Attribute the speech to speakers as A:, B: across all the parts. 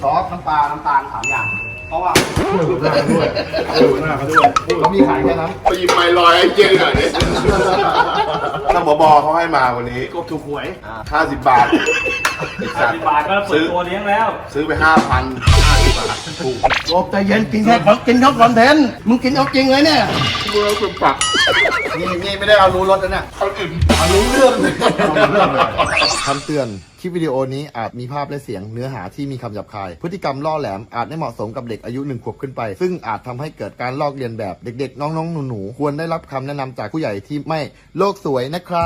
A: ซอสน้ำปลาน้ำตาล3 อย่างเพราะว่า
B: ดูหน้าเขาด้วยดูหน้าเขาด้วย
A: เขามีขายแค่นั้น
C: ไปหยิบไม้ลอยไอ้เจ๊หน่อยดิท่านผบเขาให้มาวันนี้
A: กบถูกหวย
C: 50 บาท
D: 50 บาทก็เปิดตัวเลี้ยงแล้ว
C: ซื้อไป 5,000 50 บาทถูก
A: กบใจเย็นกินแค่ของกินเขาคอนเทนต์มึงกินเอาจริงเลยเนี่ย
C: เมื่อเป็นปัก
A: นี่ไม่ได้เอารู้รสนะเนี่ย
C: เขาอิ่ม
A: เอารู้เรื่องเลย
B: เรื่องเลย
E: คำเตือน คลิปวิดีโอนี้อาจมีภาพและเสียงเนื้อหาที่มีคำหยาบคาย พฤติกรรมล่อแหลมอาจไม่เหมาะสมกับเด็กอายุ1 ขวบขึ้นไป ซึ่งอาจทำให้เกิดการลอกเลียนแบบเด็กๆ น้องๆ หนูๆ ควรได้รับคำแนะนำจากผู้ใหญ่ที่ไม่โลกสวยนะครับ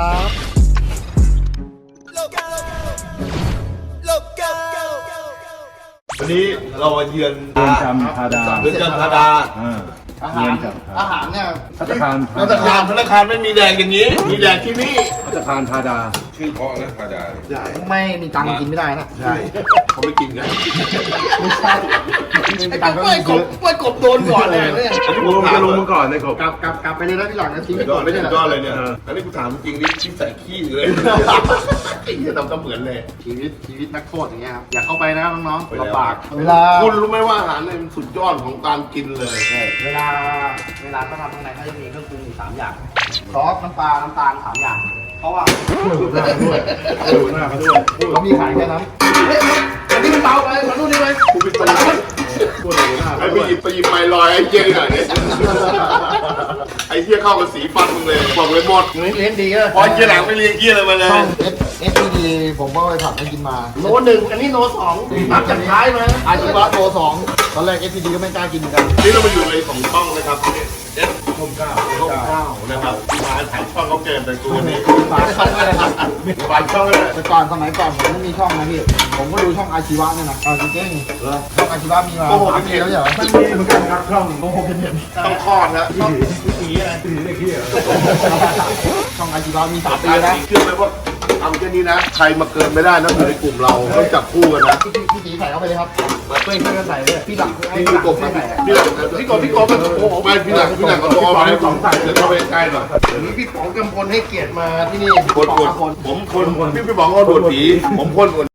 C: วันนี้เรามาเยือน
B: เรือนจำธาดา
C: เรือนจำธาดา
A: อาหารอาหารเนี่ย
B: พัตตาคาร
C: ธนาคารไม่มีแดงอย่างนี้ มีแดงที่นี่
B: พัตตาคารธาดา
C: ชื่อเพราะนะธาดา
A: ไม่มีตังค์กินไม่ได้นะ
C: ใช่เขาไม่กินกัน
A: ไม่ใช่ไอ้กล้วยกบโดนก่อนเลยเนี่ย
B: ลงจะลงมาก่อนเลยครับ
A: กลับไปเลยนะพี่หลังนะทิ้ง
C: สุ
A: ไป
C: ดย
A: ก่
C: อ
A: อ
C: ด
A: น
C: ไม่
A: ไม่
C: ใช่
A: ใช่
C: สุด
A: เหรอ
C: ยอดเลยเนี่ยอันนี้กูถามจริงนี่ที่ใส่ขี้เลยไอ้เหี้ยทำเหมือนเลย
A: ชีวิตนักโทษอย่างเงี้ยครับอย่าเข้าไปนะน้องๆลำบาก
C: เวลาคุณรู้ไหมว่าอาหารเนี่ยมันสุดยอดของการกินเลย
A: เวลาเขาทำข้างในเขาจะมีเครื่องปรุงอยู่3 อย่างซอสน้ำปลาน้ำตาล3 อย่าง เพราะว่า
B: ดูหน้าเขาด้วยดูหน้าเขาด้วย
A: เขามีขายแค่นั้นอันนี้มันเบาไปมาดูนี่เลย
C: กูไปตลาด
B: พูดดูหน้า
C: ไอ้
B: เขา
C: ไป
B: ด้วย
C: หยิบไม้ลอยไอ้เจ๊หน่อยดิไอ้เหี้ยเข้ากับสีฟันมึงเลยบอกเลยหมด
A: เลี้ยงดีก็
C: พอเจ๊หลังไม่เลี้ยงเหี้ยอะไรมาเลย
E: SPD ผมก็ไปผัดให้กินมา
A: โล 1อันนี้โล 2นับจากท้ายมา
E: อาชีวะโต2ตอนแรก SPD ก็ไม่กล้ากินเหมือนกัน
C: นี่เรามาอยู่ในของช่องนะครับเอสช่อง9นะครับมาถ่ายช่องเขาเกินแต่กูนี่
A: ฝากช่องด้วยนะครับ
C: ฝากช่องเลย
E: แต่ก่อนสมัยก่อนผมไม่มีช่องนะพี่ ผมก็ดูช่องอาชีวะเนี่ยนะจริงๆช่องอาชีวะมีมา3 ปีแล้วเหรอ
B: มันมีเหมือนกันครับช่องโอ้โหเป็นเห็น
C: ต้องคลอดนะ
B: ผีอะไรผีเด็กเหี้ย
E: ช่องอาชีวะมี3 ปี
C: ตาย
E: แล้ว
C: เชื่อไหมว่าทำแค่นี้นะ ใครมาเกินไม่ได้นะอยู่ในกลุ่มเราต้องจับคู่กันนะ
E: พี่ตีใส่เข้าไปเลยครับช่วยกันใส่เลยพี่หลัง
C: พี่กบนะพี่หลังพี่กบมันโอ้โหไปพี่หลังก็ต้องเอาไปสองใส่เดี๋ยวเข้าไปใกล้หน่อย
A: เดี๋ยวนี้พี่ป๋องกำพลให้เกียรติมาที่นี่
C: คนผมคนพี่บอกว่าโดดผีผมคนคน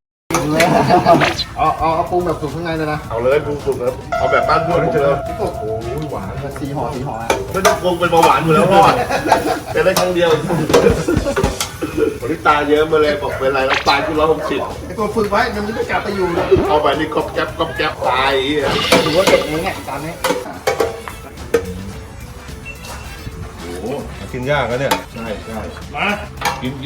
E: เอาปรุงแบบสุกข้างในเลยนะ
C: เอาเลยปรุงสุกเลยเอาแบบบ้านเพื่อนผมเลย
E: พี่กบโอ้ยหวานสีห่อนะ
C: ไม่ต้องปรุงเป็นเบาหวานอยู่แล้วพ่อเป็นได้ครั้งเดียววันนี้ตาเยอะมาเลยบอกเป็นไรแล้วตายที่160
A: ไอ้ตัวฝึกไว้เดี๋ยวมันจะกลับไปอยู่นะ
C: เอาไปนี่ก๊อบแก๊บตาย
A: ถือว่าเด็กเองเนี่ยตอนนี้
B: โอ้โหกินยากนะเนี่ย
C: ใช่มากิน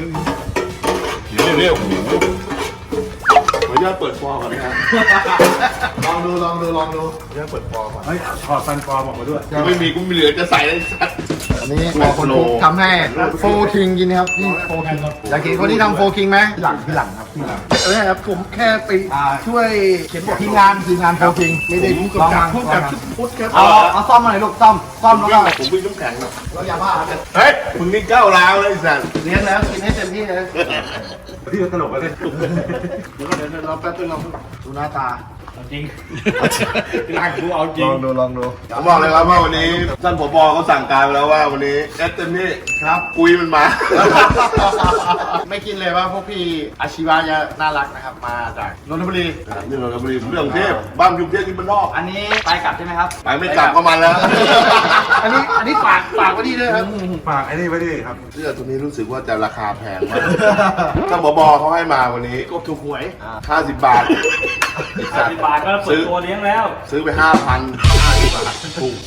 C: เร็วๆขออนุญาตเปิดฟอร์ก่อนนะครับ
E: ลองดู
C: ขออนุญาตเปิดฟอร์ก่อน
B: เฮ้ยถอดฟันปลอมออกมาด้วย
C: ไม่มีกูมีเหลือจะใส่เลยสัตว์
E: อันนี้รอคนคุกทำให้โฟคิงกินนะครับนี่โฟคิงอยากกินคนที่ทำโฟคิงไหมพี่หลังครับพี่หลัง
A: ครับผมแค่ไปช่วยเขียนบท
E: ทีมงานโฟคิง
A: ไม่ได้ผู้กำกับผู้กำกับชุดพุทธครับ
E: เอาซ่อมมาหน่อยลูกซ่อมแล้วก็
C: ผมวิ่งน้ำแข็งหรอก
E: แล้วยาบ้าเนี่ย
C: เฮ้ยมึงนี่ก้าวร้าวเลยสัตว์
A: เลี้ยงแล้วกินให้เต็มที่เลย
B: พี่ตลกอะไร
A: เดี๋ยวเราแป๊บนึงเรา
E: ดูหน้าตา
D: จริงร่างกูเอาจริ
E: ล
D: ง
E: องดู
C: ผมบอกเลยครับว่าวันนี้ท่านผบเขาสั่งการไปแล้วว่าวันนี้เอสเต็มที่
A: ครับ
C: กุยมันมา
A: ไม่คิดเลยว่าพวกพี่อาชีวะจะน่ารักนะครับ มาจากนนทบุรี
C: นี่เรากำลังเรื่องกรุงเทพบ้านกรุงเทพที่มันนอก
A: อันนี้ไปกลับใช่ไหมครับ
C: ไปไม่กลับก็มันแล้ว
A: อันนี้ฝากไว้ที่ด้วยครับ
B: ฝากไอ้นี่ไว้ดิครับ
C: เสื้อตัวนี้รู้สึกว่าจะราคาแพงมากท่านผบเขาให้มาวันนี้
A: กบถูกหวย
C: 50 บาท
D: 50 บาทก็เปิดตัวเลี้ยงแล้ว
C: ซื้อไป 5,000 50 บาทถูก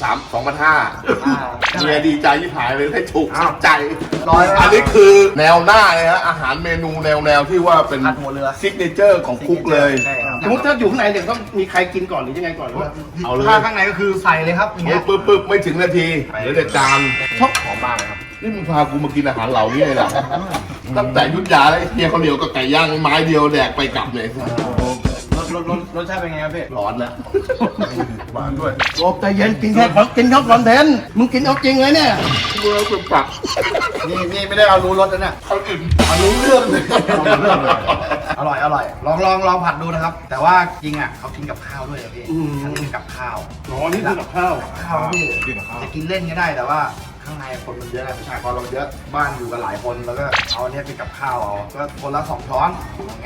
C: 2,500เมียดีใจที่หายเลยได้ถูกสัใจ อันนี้คือแนวหน้าเลยฮะอาหารเมนูแนวที่ว่าเป็น
A: ผัดหัวเรือ
C: ซิกเนเจอร์ของคุกเลย
A: สมมติถ้าอยู่ข้างในเนี่ยต้องมีใครกินก่อนหรือยังไงก่อนหรือว่า
C: เอาเลย
A: ถ้าข้างในก็คือใส่เลยครับอย่างเงี้ย
C: ปึ๊บไม่ถึงนาทีเหลือแต่จาน
A: ชอบหอมมากเลยครับ
C: นี่มึงพากูมากินอาหารเหล่านี้เลยนะตั้งแต่ยุทธยาแล้วไอ้เฮียเขาวเหนียวกับไก่ย่างไม้เดียวแดกไปกลับเลย
A: รสชาติเป็นไงครับพี่
C: ร้อนแล้ว
B: หวานด้วย
A: กบใจเย็นกินแค่ของกินเขาคอนเทนต์มึงกินเอาจริงเลยเนี่ย
C: เมื่อเป็นปัก
A: นี่ไม่ได้เอารู้รสนะเนี่ย
C: เขาอิ่ม
A: เอารู้เรื่องเลย
B: เรื่องเลย
A: อร่อยลองผัดดูนะครับ แต่ว่าจริงอ่ะเขากินกับข้าวด้วยอะพี่เขากินกับข้าว
C: อ๋อนี่คือกับข้าว
A: ข้าวพี่จะกินเล่นก็ได้แต่ว่าข้างในคนมันเยอะนะประชากรเราเยอะบ้านอยู่กันหลายคนแล้วก็เอาอันเนี้ยไปกับข้าวเอาก็คนละ2 ช้อนอย่างเงี้ย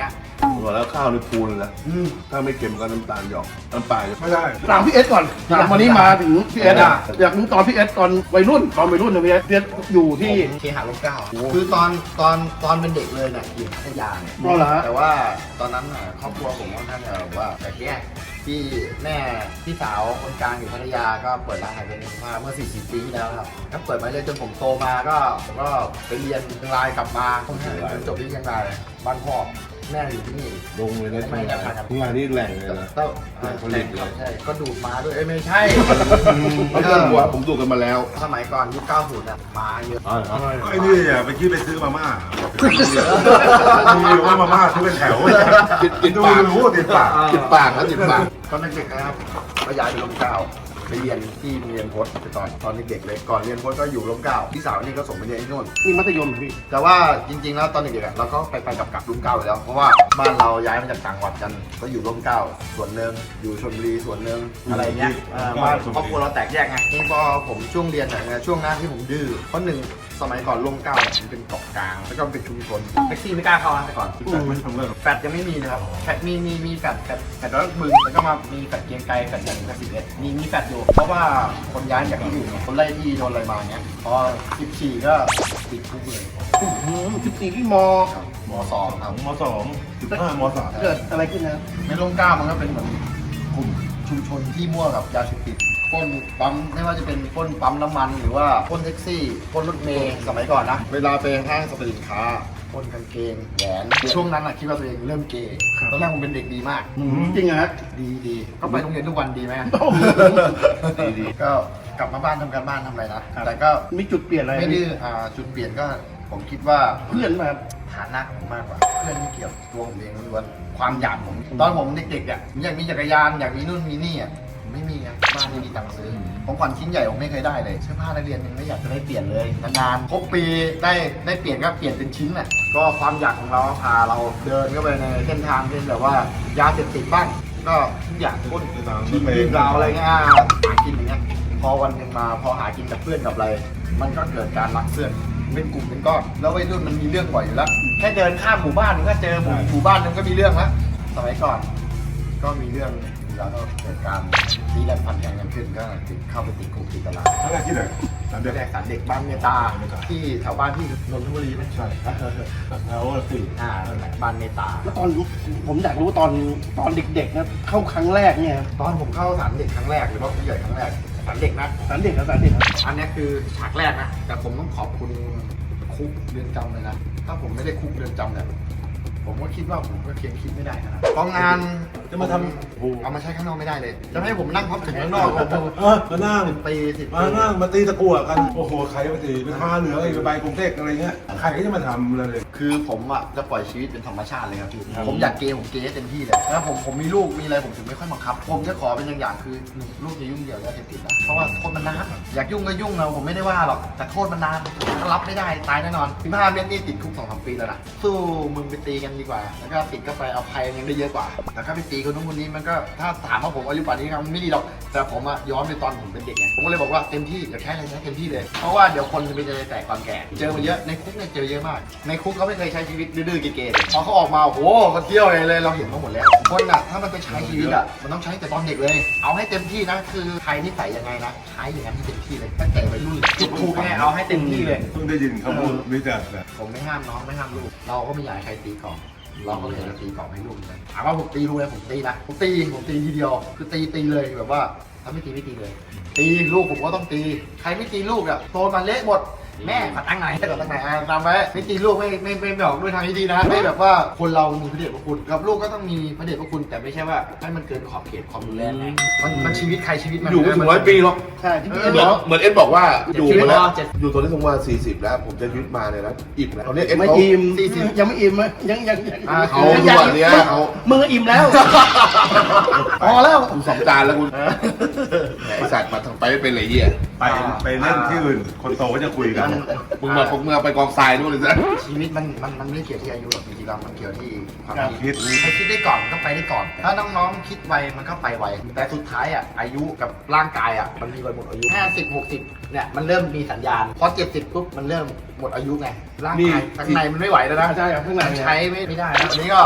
C: บอกแล้วข้าวในพูนเลยนะถ้าไม่เค็มก็น้ำตาลหยอกน้ำปลา
B: ไม่ได้
F: ถามพี่เอสก่อนถามวันนี้มาถึงพี่เอสอ่ะอยากรู้ตอนพี่เอสตอนวัยรุ่นนะพี่เอสอยู่ที่
E: เคหะร่มเกล้าคือตอนเป็นเด็กเลยเนี่ยอยู่พัทยาเนี่ย
F: อ๋อเหรอฮะ
E: แต่ว่าตอนนั้นน่ะครอบครัวผมค่อนข้างจะแบบว่าแตกแยกพี่แม่พี่สาวคนกลางอยู่พัทยาก็เปิดร้านขายเป็นมาเมื่อ40 ปีที่แล้วครับก็เปิดมาเลยจนผมโตมาก็ผมก็ไปเรียนเชียงรายกลับมาจนจบที่เชียงรายบ้านพ่อแม่อยู่ที่นี่
C: ลงเลยนะ
E: ไม่ได้ครับ
C: ทุกงานนี่แหล่งเลยนะ
E: ก็
C: แหล่งผลิตเลย
E: ใช่ก็ดูดมาด้วยไม่ใช่
C: ไม่ต้องกลัวผมดูกันมาแล้ว
E: สมัยก่อนยุค 90น่ะมาเยอะ
B: ไอ้นี่อย่าไปคิดไปซื้อมาม่ามีว่ามาม่าซื้อเป็นแถว
C: ติด
B: ดู
C: ปาก
B: รู้ติดปาก
C: ติดปากนะติดปาก
E: ตอนเด็กๆนะครับก็ย้ายไปร่มเกล้าไปเรียนที่โรงเรียนพจน์ตอนเด็กๆเลยก่อนเรียนพจน์ก็อยู่ร่มเกล้าพี่สาวนี่ก็ส่งไปเรียนที่นู่น
F: นี่มัธยมเหรอพี่
E: แต่ว่าจริงๆแล้วตอนเด็กๆอะเราก็ไปกลับร่มเกล้าอยู่แล้วเพราะว่าบ้านเราย้ายมาจากต่างจังหวัดกันก็อยู่ร่มเกล้าส่วนหนึ่งอยู่ชลบุรีส่วนหนึ่งอะไรเงี้ยบ้านครอบครัวเราแตกแยกไงนี่พอผมช่วงเรียนเนี่ยช่วงนั้นที่ผมดื้อเพราะหนึ่งสมัยก่อนร่มเกล้าเนี่ยมันเป็นเกาะกลางแล้วก็เป็นชุมชนแท็กซี่ไม่กล้าเข้านะแต่ก่อน
B: มันทำเรื่อง
E: แฟดยังไม่มีนะครับแฟดมีแฟดร้อยบึงแล้วก็มามีแฟดเกรียงไกรแฟดหนึ่งแฟด11มีแฟดอยู่เพราะว่าคนย้ายจากที่อื่นคนไล่ที่โดนอะไรมาเงี้ยพอ14ก็ติดคุกเลย
F: 14ที่ม
E: ม.2 ครับ
B: ม.2 ม.3
F: เกิดอะไรขึ้นนะ
E: ในร่มเกล้ามันก็เป็นเหมือนกลุ่มชุมชนที่มั่วกับยาเสพติดปล้นปั๊มไม่ว่าจะเป็นปล้นปั๊มน้ำมันหรือว่าปล้นแท็กซี่ปล้นรถเมล์สมัยก่อนนะเวลาไปห้างสรรพสินค้าปล้นกางเกงแหวนช่วงนั้นอะคิดว่าตัวเองเริ่มเกย์ตอนแรกผมเป็นเด็กดีมาก
F: จริงเหรอฮะ
E: ดีก็ไปโรงเรียนทุกวันดีไหม
C: ดี
E: ก็กลับมาบ้านทำการบ้านทำอะไรนะแต่ก็
F: มีจุดเปลี่ยนอะไร
E: ไม่ดื้อจุดเปลี่ยนก็ผมคิดว่า
F: เพื่อนมา
E: ฐานะผมมากกว่าเพื่อนไม่เกี่ยวตัวผมเองล้วนความอยากผมตอนผมเด็กๆอ่ะผมอยากมีจักรยานอยากมีนู่นมีนี่อ่ะผมไม่มีอ่ะบ้านไม่มีตังค์ซื้อของขวัญชิ้นใหญ่ผมไม่เคยได้เลยเสื้อผ้านักเรียนยังไม่อยากจะได้เปลี่ยนเลยนานๆครบปีได้เปลี่ยนก็เปลี่ยนเป็นชิ้นอ่ะก็ความอยากของเราพาเราเดินเข้าไปในเส้นทางที่แบบว่ายาเสพติดบ้างก็ทุกอย่างพ้นชิงยิงเราอะไรเงี้ยหากินอย่างเงี้ยพอวันหนึ่งมาพอหากินกับเพื่อนกับอะไร มันก็เกิดการรักเพื่อนเป็นกลุ่มเป็นก้อนแล้ววัยรุ่นมันมีเรื่องบ่อยอยู่แล้วแค่เดินข้ามหมู่บ้านมันก็เจอหมู่บ้านนึงก็มีเรื่องแล้วสมัยก่อนก็มีเรื่องแล้วก็เกิดการตีแรงพันแข่งกันขึ้นก็เข้าไปติดคุกติดตาราง
B: ทั้งที่ไหนสามเดือน
E: แรกสารเด็กบ้านเมตาที่แถวบ้านที่นนทบุรีไม่ใช่
B: แล้วสี่
E: บ้านเมตา
F: แล้วตอนผมอยากรู้ตอนเด็กๆนะเข้าครั้งแรกเนี่ย
E: ตอนผมเข้าสารเด็กครั้งแรกหรือว่าผู้ใหญ่ครั้งแรกสารเด็กนะ
F: สารเด็กนะ
E: อันนี้คือฉากแรกนะ แต่ผมต้องขอบคุณคุกเรือนจำเลยนะ ถ้าผมไม่ได้คุกเรือนจำเนี่ยผมก็คิดว่าผมก็เคียงคิดไม่ได้นะกองงาน
B: จะมาทำ
E: เอามาใช้ข้างนอกไม่ได้เลย จะให้ผมนั่งพับถึงข้างนอกผม
B: มานั่ง
E: ปี10 ปี
B: มานั่งมาตีตะกั่วกัน โอ้โห ใครมาตีไปทาเหลืองไอ้ไปกรุงเทพอะไรเงี้ย ใครก็จะมาทำเลย
E: คือผมอ่ะจะปล่อยชีวิตเป็นธรรมชาติเลยครับพี่ผมอยากเกย์ผมเกย์ให้เต็มที่เลยแล้วผมมีลูกมีอะไรผมถึงไม่ค่อยบังคับ ผมจะขอเป็นอย่างคือหนึ่งลูกจะยุ่งเกี่ยวกับยาเสพติดนะเพราะว่าโทษมันนานอยากยุ่งก็ยุ่งนะผมไม่ได้ว่าหรอกแต่โทษมันนานถ้ารับไม่ได้ตายแน่นอน15 เมตรนี่ติดคุก 2-3 ปีแล้วนะสู้มึงไปตีกันดีกว่าแล้วก็ติดก็ไปเอาภัยยังได้เยอะกว่าแต่ถ้าไปตีคนนู้นคนนี้มันก็ถ้าถามว่าผมอายุป่านนี้ครับมันไม่ดีหรอกแต่ผมอะย้อนไปตอนผมเป็นเด็กไงผมก็เลยบอกว่าเต็มที่อยากใช้อะไรใช้เต็มที่เลยเพราะว่าเดี๋ยวคนจะไปเจอแตกความแก่เจอมาเยอะในคุกเนี่ยเจอเยอะมากในคุกเขาไม่เคยใช้ชีวิตดื้อๆเก๋ๆพอเขาออกมาโอ้โหมาเที่ยวเลยเราเห็นมาหมดแล้วคนอะถ้ามันไปใช้ชีวิตอะมันต้องใช้แต่ตอนเด็กเลยเอาให้เต็มที่นะคือใครนิสัยยังไงนะใช้อย่างนั้นให้เต็มที่เลยตั้งแต่วัยรุ่นคิดถูกไงเอาให้เต็มที่เลย
B: เพิ่งได้ยินคำพูดนี้จากแบบ
E: ผมไม่ห้ามน้องไม่ห้ามลูกเราก็ไม่อยากให้ใครตีก่อนเราก็เลยจะตีก่อนให้ลูกเลยถามว่าผมตีลูกเลยผมตีนะผมตีทีเดียวคือตีเลยแบบว่าถ้าไม่ตีไม่ตีเลย ตีลูกผมก็ต้องตีใครไม่ตีลูกอ่ะโตมาเละหมดแม่ขอตั้งไหนขอตั้งไหนตามไว้ไม่ตีลูกไม่บอกด้วยทางที่ดีนะไม่แบบว่าคนเรามีพระเดชพระคุณกับลูกก็ต้องมีพระเดชพระคุณแต่ไม่ใช่ว่าให้มันเกินขอบเขตความรุนแรงไงมันชีวิตใครชีวิตมัน
C: อยู่ไม่ถึง100 ปีหรอก
F: ใช่ที่พี่
C: เห
F: เอ็
C: มือน
F: บอก
C: เหมือนเอ็นบอกว่าอยู่มาแล้ว
E: เจ็ด
C: อยู่ตอนนี้ถึงว่า40 แล้ว ผมจะยึดมาเนี่ยนะอิ่มแล้วตอนนี้เอ็น
F: ไม่
C: เขา
F: อิ่ม
E: 40
F: ยังไม่อิ่มอะยัง
C: เขาทุกวันเนี้ยเขา
F: มึงก็อิ่มแล้วพอแล้ว
C: คุณ2 จานแล้วคุณไอสัตว์มาทางไปไม่เป็นไรเหี้ย
B: ไปเล่นที่อื่น คนโตก็จะคุยกัน
C: มึงมาไปกองทรายนู่นเลยซะ
E: ชีวิตมันไม่เกี่ยวที่อายุหรอกจริงๆแล้วมันเกี่ยวที่ความ
B: การคิด
E: ใครคิดได้ก่อนก็ไปได้ก่อน ถ้าน้องๆคิดไวมันก็ไปไวแต่สุดท้ายอ่ะอายุกับร่างกายอ่ะมันมีวันหมดอายุ50-60เนี่ยมันเริ่มมีสัญญาณพอ70ปุ๊บมันเริ่มหมดอายุไงร่างกายข้างในมันไม่ไหวแล้วนะ
F: ใช่ครับข้างใน
E: ใช้ไม่ได้แล้วอันนี้ก็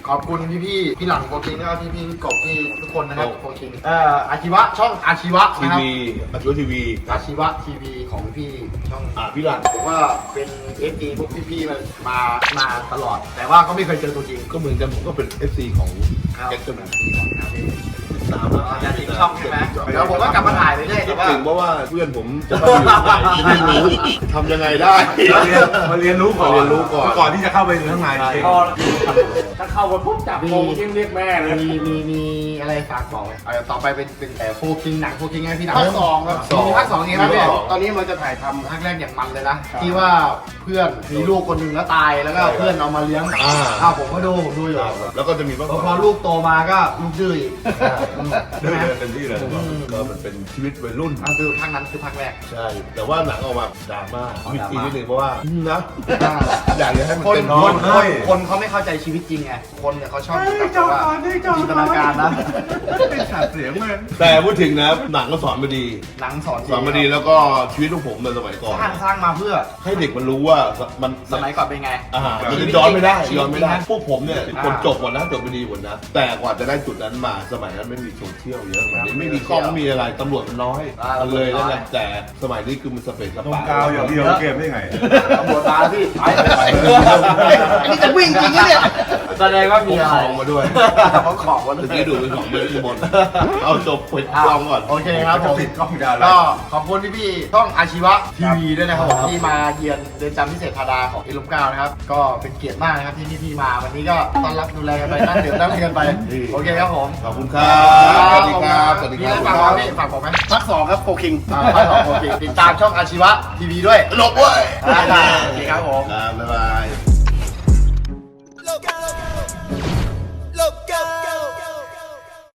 E: ขอบคุณพี่ๆพี่หลังโฟกิงแล้วก็พี่ๆกบพี่ทุกคนนะครับโฟกิงอาชีวะช่องอาชีวะ
C: ที
E: นะครับ
C: วีอาชีวะทีวี
E: อาชีวะทีวีของพี่ช่อง
C: พี่หลัง
E: ผมว่าเป็นFD พวกพี่ๆมันมาตลอด แต่ว่าก็ไม่เคยเจอตัวจริง
C: ก็เหมือนกันผมก็เป็น FC ของแจ็คเกอร์แมนตามแล้ว
E: อย่าทิ้งช่องใช่ไหมเดี๋ยวผมก็กลับมาถ่ายไปเรื่อย
C: คิ
E: แต่
C: ด
E: ว่า
C: ถึงเพราะว่าเพื่อนผมจะมาอยู่ไหนไม่รู้ทำยังไงได้
B: มาเรียนรู้ก่อน
C: มาเรียนรู้ก่อน
B: ก่อนที่จะเข้าไปข้างในเอง
D: พอถ้าเข้าไปปุ๊บจับโมงเรียกแม่เลย
E: มีอะไรฝากบอกไหมต่อไปเป็นแต่โฟกิงหนังโฟกิงไงพี่หนัง
F: ภาคสองครับ
E: มีภาคสองเองครับพี่
F: ตอนนี้มันจะถ่ายทำ
E: ภาคแรกอย่างมันเลยนะที่ว่าเพื่อนมีลูกคนหนึ่งแล้วตายแล้วก็เพื่อนเอามาเลี้ยงผมก็ดูอยู่
C: แล้วก็จะมีบ้าง
E: พอลูกโตมาก็ลูกดื้ออีก
B: เดินเต็มที่เลย
C: ก็มันเป็นชีวิตวัยรุ่น
E: นั่นคือภาคนั้นคือภาคแรก
C: ใช่ แต่ว่าหนังออกมาดราม่าวิธีนิดนึงเพราะว่านะอยากจะให้มัน
E: คน
C: เป็น
E: คนเขาไม่เข้าใจชีวิตจริงไงคนเนี่ยเขาชอบแบบว่าจินตนาการนะ
B: เป็นฉากเสียงเลย
C: แต่พูดถึงนะหนังก็สอนมาดี
E: หนังสอน
C: สอนมาดีแล้วก็ชีวิตของผมในสมัยก่อน
E: สร้างมาเพื่อ
C: ให้เด็กมันรู้ว่ามัน
E: สมัยก่อนเป็นไง
C: มันย้อนไม่ได้
E: ชีวิต
C: ย้อนไม่ได้
E: จริงนะ
C: พวกผมเนี่ยคนจบหมดนะจบไปดีหมดนะ แต่กว่าจะได้จุดนั้นมาสมัยนั้นไม่มีโซเชียลเยอะไม่มีกล้องไม่มีอะไรตำรวจมันน้อยมันเลยแล้วนะแต่สมัยนี้คือมันสเปซส
B: ตรง
C: ปะ
B: กาวอย่างเดียวเกมได้ไง
E: ตำรวจมาพี่ไปอันนี้จะวิ่งจริงเนี่ยแสดงว่า
C: พ
E: มี
C: ก
E: อะไร
C: ของมาด้วย
E: เขาของวัน
C: เมื่อกี้ดูเป็นของเบนบนเอาจบปิดกล้องก่อน
E: โอเคครับผม
B: ติดกล้องดาว
E: ก็ขอบคุณพี่ๆช่องอาชีวะทีวีด้วยนะครับผมที่มาเยือนเรือนจำพิเศษธาดาของอิลุมเก้านะครับก็เป็นเกียรติมากนะครับที่พี่ๆมาวันนี้ก็ต้อนรับดูแลกันไปนั่งดื่มนั่งเล่นกันไปโอเคครับผม
C: ขอบคุณครับสวัสดีครับสวัสดี
E: มี
C: ค
E: อะไร
C: รับ
E: ฝากบอกพี่ฝากบอกไหม
F: ภาคสองครับโฟคิง
E: ฝากบอกโอเคติดตามช่องอาชีวะทีวีด้วย
C: หลบเว้ย
E: โอเคครับผม
C: ครับบ๊ายบาย